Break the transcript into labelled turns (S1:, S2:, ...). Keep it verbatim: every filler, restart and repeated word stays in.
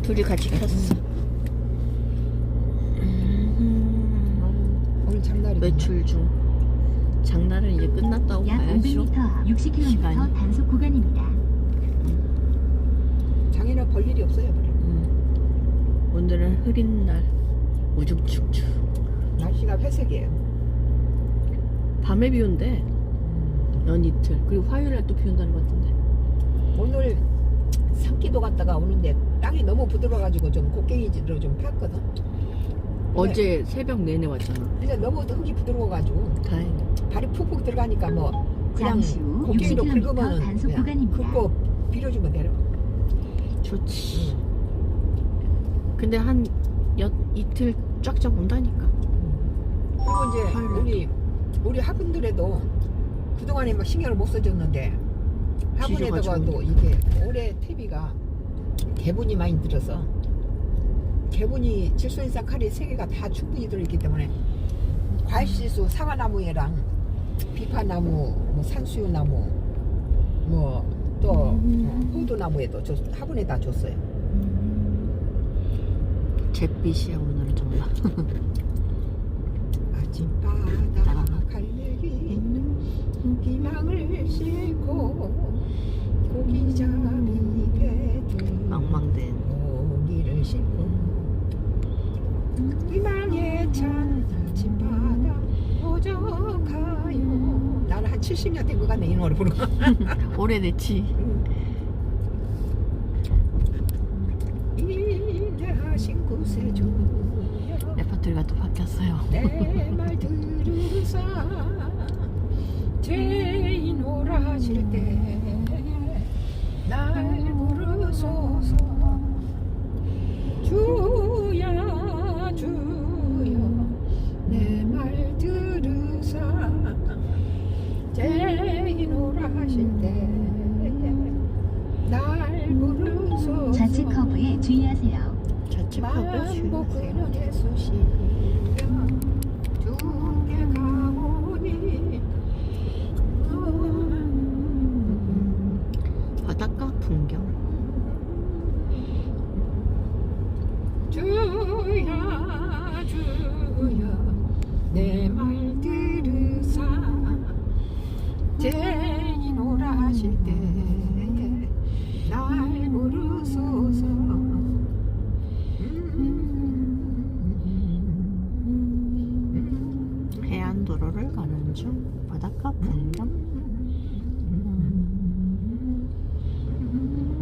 S1: 둘이 같이 켰어.
S2: 오늘 장날이
S1: 외출 중. 장날은 이제 끝났다고
S3: 약
S1: 봐야죠.
S3: 오백 미터 앞 육십 킬로미터
S1: 시간이.
S3: 단속 구간입니다.
S2: 장에는 볼 일이 없어요. 별로.
S1: 음. 오늘은 흐린 날. 우중충충.
S2: 날씨가 회색이에요.
S1: 밤에 비 온대. 연 이틀. 그리고 화요일날 또 비 온다는 것 같은데.
S2: 오늘 산기도 갔다가 오는데 땅이 너무 부드러워가지고 좀 곡괭이로 좀 팠거든.
S1: 어제 새벽 내내 왔잖아.
S2: 근데 너무 흙이 부드러워가지고
S1: 다행히.
S2: 발이 푹푹 들어가니까 뭐 그냥
S3: 잠시 후
S2: 곡괭이로
S3: 육십 킬로미터
S2: 긁으면
S3: 단속
S2: 그냥
S3: 구간입니다.
S2: 긁고 빌어주면 내려.
S1: 좋지. 근데 한 여, 이틀 쫙쫙 온다니까.
S2: 그리고 이제
S1: 화요일에.
S2: 우리 우리 화분들에도 그동안에 막 신경을 못 써줬는데 화분에다가
S1: 지져가지고.
S2: 또 이게 올해 퇴비가 개분이 많이 들어서 개분이 질소인산 칼리 세 개가 다 충분히 들어있기 때문에 과일시수 사과나무에랑 비파나무, 뭐 산수유나무, 뭐 또
S1: 음.
S2: 호두나무에도 줬, 화분에다 줬어요.
S1: 잿빛이야 오늘은 정말.
S2: 아침바다 갈매기 희망을 싣고 고기잡이 배들
S1: 망망된.
S2: 고기를 싣고 희망에 찬 아침바다 오져가요. 나는 한 칠십 년 된 것 같네 이 노래 부르고.
S1: 오래됐지.
S2: 인내하신 구세주여
S1: 레퍼토리가 또 바뀌었어요.
S2: 내 말 들으사 죄인 오라실 때 날 부르소서 주야 주여 내 말 들으사 죄인 오라실 때 날 부르소서
S3: 좌측 커브에 주의하세요.
S1: 좌측 커브
S2: 만복은
S1: 주의하세요.
S2: 예수시